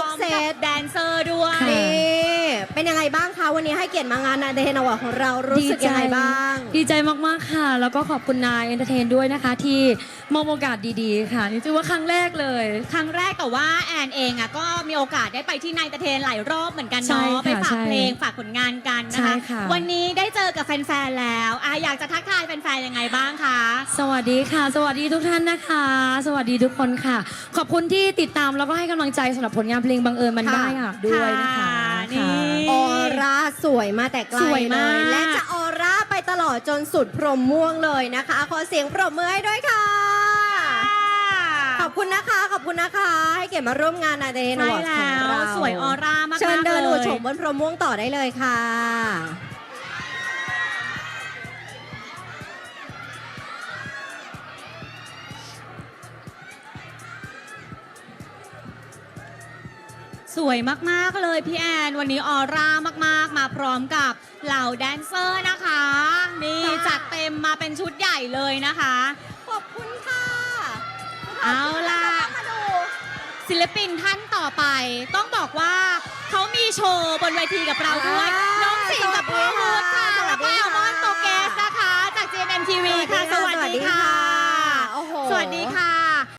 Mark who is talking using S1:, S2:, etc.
S1: กเซต
S2: แดนเซอร์ด้วย
S1: นี่เป็นยังไงบ้างคะวันนี้ให้เกียรติมางานนาเดนวของเรารู้สึกยังไงบ้าง
S3: ดีใจมากๆค่ะแล้วก็ขอบคุณนายเอนเตอร์เทนด้วยนะคะที่มอบโอกาสดีๆค่ะนี่ถือว่าครั้งแรกเลย
S2: ครั้งแรกแต่ว่าแอนเองอ่ะก็มีโอกาสได้ไปที่นายตะเทนหลายรอบเหมือนกัน
S3: ใช่
S2: เนาะ
S3: ค่ะ
S2: ไปฝาก
S3: ใช่
S2: เพลงฝากผลงานกันนะ
S3: ใช่
S2: คะ
S3: ค่ะ
S2: วันนี้ได้เจอกับแฟนๆแล้วอยากจะทักทายแฟนๆยังไงบ้างคะ
S3: สวัสดีค่ะ สวัสดีทุกท่านนะคะ สวัสดีทุกคนค่ะ ขอบคุณที่ติดตามแล้วก็ให้กำลังใจสำหรับผลงานเพลงบังเอิญมันได้ค่ะด้วยนะคะ
S2: นี่
S1: ออร่าสวยมาแต่ไกล
S2: สวยมาก
S1: เลยและจะออร่าไปตลอดจนสุดพรหมม่วงเลยนะคะขอเสียงปรบมือให้ด้วยค่ะขอบคุณนะคะขอบคุณนะคะให้เกียรติมาร่วมงานนาเดน
S2: ใช่
S1: วของ
S2: แล้ว
S1: เรา
S2: สวยออร่ามากๆ
S1: เชิญเดิน
S2: เล
S1: หัวย โฉมบนพรหมม่วงต่อได้เลยค่ะ
S2: สวยมากๆเลยพี่แอนวันนี้ออร่ามากๆมาพร้อมกับเหล่าแดนเซอร์นะคะนี่จัดเต็มมาเป็นชุดใหญ่เลยนะคะ
S1: ขอบคุณค่ะ
S2: เอาล่ะ
S1: มาดู
S2: ศิลปินท่านต่อไป ต้องบอกว่าเขามีโชว์บนเวทีกับเราด้วย น้องสิงห์กับพ่อฮูดค่ะแล้วก็แอลมอนโตเกสนะคะจาก GMMTV ค่ะ สวัสดีค่ะ
S1: โอ้โห
S2: สวัสดีค่ะ